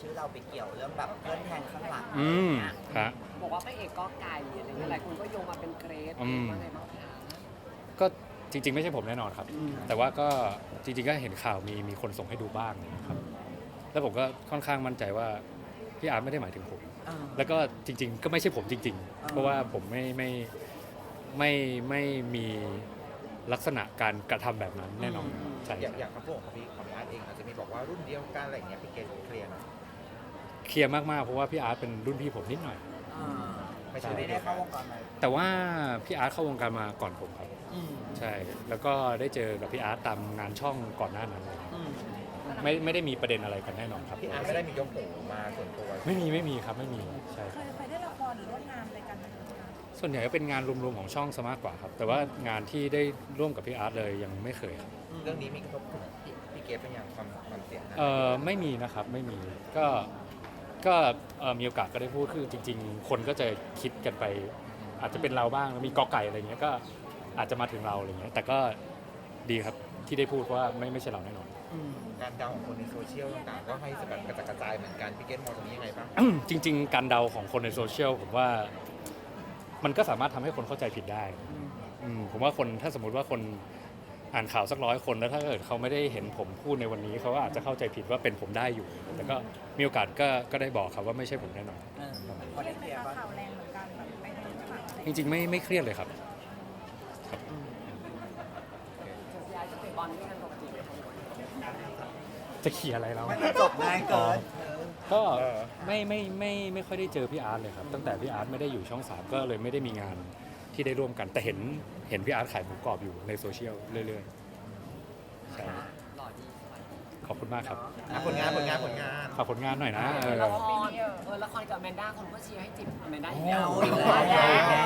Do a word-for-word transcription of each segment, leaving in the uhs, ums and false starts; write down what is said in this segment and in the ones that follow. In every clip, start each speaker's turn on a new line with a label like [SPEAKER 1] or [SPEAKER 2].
[SPEAKER 1] ชื่อเราไปเกี่ยวเรื่องแบบเพื่อนแทงข้างหลัง
[SPEAKER 2] อืม
[SPEAKER 1] เนี่ย
[SPEAKER 2] ครับ
[SPEAKER 3] บอกว่าพระเอกก็ไก่อะไรเงี้ยหลายคนก็โยงมาเป็นเกรซ
[SPEAKER 2] อืม
[SPEAKER 3] ว่าไงบ้างคะ
[SPEAKER 2] ก็จริง ๆ ไม่ใช่ผมแน่นอนครับ แต่ว่าก็จริงๆก็เห็นข่าวมีมีคนส่งให้ดูบ้างนะครับ แล้วผมก็ค่อนข้างมั่นใจว่าพี่อาร์ตไม่ได้หมายถึงผม
[SPEAKER 1] อ่า
[SPEAKER 2] แล้วก็จริง ๆ ก็ไม่ใช่ผมจริง
[SPEAKER 1] อ่า
[SPEAKER 2] ๆ เพราะว่าผมไม่ไม่ไม่ไม่มีลักษณะการกระทำแบบนั้นแน่นอนใช่
[SPEAKER 4] อย่างอย่างคำพูดของพี่ของพี่อาร์ตเองอาจจะมีบอกว่ารุ่นเดียวกันอะไรอย่างเงี้ยพี่เกณฑ์เคลียร์หน่อย
[SPEAKER 2] เคลียร์มากๆเพราะว่าพี่อาร์ตเป็นรุ่นพี่ผมนิดหน่อย
[SPEAKER 1] อ่า
[SPEAKER 4] ไม่ใช่
[SPEAKER 1] ไม่ได้เข้าวงการไหม
[SPEAKER 2] แต่ว่าพี่อาร์ตเข้าวงการมาก่อนผมครับ
[SPEAKER 1] อืม
[SPEAKER 2] ใช่ แล้วก็ได้เจอกับพี่อาร์ตตามงานช่องก่อนหน้านั้นเลย
[SPEAKER 1] อืม
[SPEAKER 2] ไม่ไม่ได้มีประเด็นอะไรกันแน่นอนครับ
[SPEAKER 4] พี่อาร์ตไม่ได้มียกหูมาส่วนตัว
[SPEAKER 2] ไม่มีไม่มีครับไม่มีใช่
[SPEAKER 5] เคยเคยได้ละครหรือร่วมงานอะไรกันไหมคะ
[SPEAKER 2] ส่วนใหญ่ก็เป็นงานรวมๆของช่องซะมากกว่าครับ แต่ว่างานที่ได้ร่วมกับพี่อาร์ตเลยยังไม่เคยครับ
[SPEAKER 4] เรื่องนี้มีกระทบถึงพี่พี่เกณฑ์เป็นอย่างความความเสี่ยงนะ
[SPEAKER 2] เอ่อไม่มีนะครับไม่มีก็ก็เอ่อมีโอกาสก็ได้พูดคือจริง ๆ คนก็จะคิดกันไป อาจจะเป็นเราบ้างมีกอไก่อะไรเงี้ยก็อาจจะมาถึงเราอะไรเงี้ยแต่ก็ดีครับที่ได้พูดเพราะว่าไม่ไม่ใช่เราแน่นอน
[SPEAKER 1] อืม
[SPEAKER 4] การเดาของคนในโซเชียลต่างๆก็ให้แบบกระจัดกระจายเหมือนกันพี่เกณฑ์มองตรงนี้ยังไงบ้าง
[SPEAKER 2] จริง ๆ การเดาของคนในโซเชียลผมว่ามันก็สามารถทำให้คนเข้าใจผิดได้อืมผมว่าคนถ้าสมมุติว่าคนอ่านข่าวสักร้อยคนแล้วถ้าเกิดเขาไม่ได้เห็นผมพูดในวันนี้เขาก็อาจจะเข้าใจผิดว่าเป็นผมได้อยู่ แต่ก็มีโอกาสก็ก็ได้บอกครับว่าไม่ใช่ผมแน่นอน
[SPEAKER 1] เออพ
[SPEAKER 5] เค
[SPEAKER 1] อ
[SPEAKER 5] รี
[SPEAKER 1] ได้
[SPEAKER 5] ยด
[SPEAKER 1] เค
[SPEAKER 5] ไหม
[SPEAKER 1] ลียร์
[SPEAKER 5] คะ
[SPEAKER 1] บ้าง
[SPEAKER 5] ข่าวแรงเหมือนกันแบบไปทางฝั่งอะไร
[SPEAKER 2] จริงๆไม่ไม่เครียดเลยครับ
[SPEAKER 1] อืม
[SPEAKER 3] พี่อาร์ตจะเตะบอลด้วยกันปกติไหมคะ
[SPEAKER 2] จะเขี่ยร์อะไรเรา
[SPEAKER 1] มันจบง่ายเกิน
[SPEAKER 2] ก็
[SPEAKER 4] เออ
[SPEAKER 2] ไม่ไม่ไม่ไม่ค่อยได้เจอพี่อาร์ตเลยครับตั้งแต่พี่อาร์ตไม่ได้อยู่ช่องสามก็เลยไม่ได้มีงานที่ได้ร่วมกันแต่เห็นเห็นพี่อาร์ตขายหมูกรอบอยู่ในโซเชียลเรื่อยๆใช่
[SPEAKER 3] หล่อดีสวย
[SPEAKER 2] ขอบคุณมากครับ
[SPEAKER 4] อ่ะผลงานผลงานผลงาน
[SPEAKER 2] ฝากผลงานหน่อยนะเออ
[SPEAKER 3] ละครเออละครกับแมนด้าคนก็เชียร์ให้จิบแมนด้าอีกแล้ว
[SPEAKER 1] เอาอีกแล้ว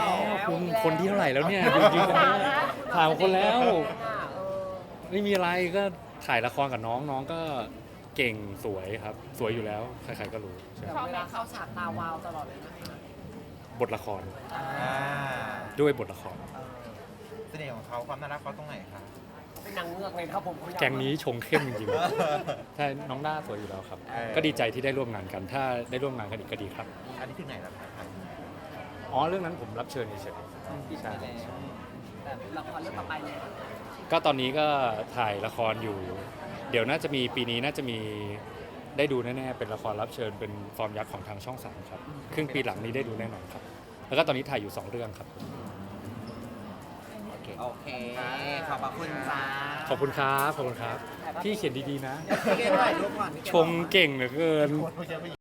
[SPEAKER 2] คุณคนที่เท่าไหร่แล้วเนี่ยจริงๆนะถามคนแล้ว ไม่มีอะไรก็ถ่ายละครกับน้องน้องก็เก่งสวยครับ สวยอยู่แล้วใครๆก็รู้ใช่
[SPEAKER 3] แต่เวลาเข้าฉากตาวาวตลอดเลยนะคะ
[SPEAKER 2] บทละคร
[SPEAKER 4] อ่า
[SPEAKER 2] ด้วยบทละคร
[SPEAKER 4] เสน่ห์ของเขาความน่ารักเขาตรงไหนคะ
[SPEAKER 3] เป็นนางเงือกเลยครับผมเขาอยา
[SPEAKER 2] แกงนี้ชงเข้มจริงๆใช่น้องด้าสวยอยู่แล้วครับ ก็ดีใจที่ได้ร่วมงานกัน ถ้าได้ร่วมงานกันอีกก็ดีครับ
[SPEAKER 4] อันนี้ถึงไหนแล้วครับ
[SPEAKER 2] อ๋อเรื่องนั้นผมรับเชิญเฉย
[SPEAKER 3] ปิดไปแล้วแต่ละครเรื่องต่อไปเนี่ย
[SPEAKER 2] ๆก็ตอนนี้ก็ถ่ายละครอยู่ เดี๋ยวน่าจะมีปีนี้น่าจะมีได้ดูแน่ๆเป็นละครรับเชิญเป็นฟอร์มยักษ์ของทางช่องสามครับครึ่งปีหลังนี้ได้ดูแน่นอนครับ แล้วก็ตอนนี้ถ่ายอยู่สองเรื่องครับ
[SPEAKER 4] โอเค
[SPEAKER 1] โอเค ขอบพระคุณจ้า
[SPEAKER 2] ขอบคุณครับขอบคุณครับพี่เขียนดีๆนะ
[SPEAKER 1] พี่เกณฑ์ถ่ายรูปก่อนพี่เกณฑ์
[SPEAKER 2] ชงเก่งเหลือเกิน
[SPEAKER 4] คนเยอะไป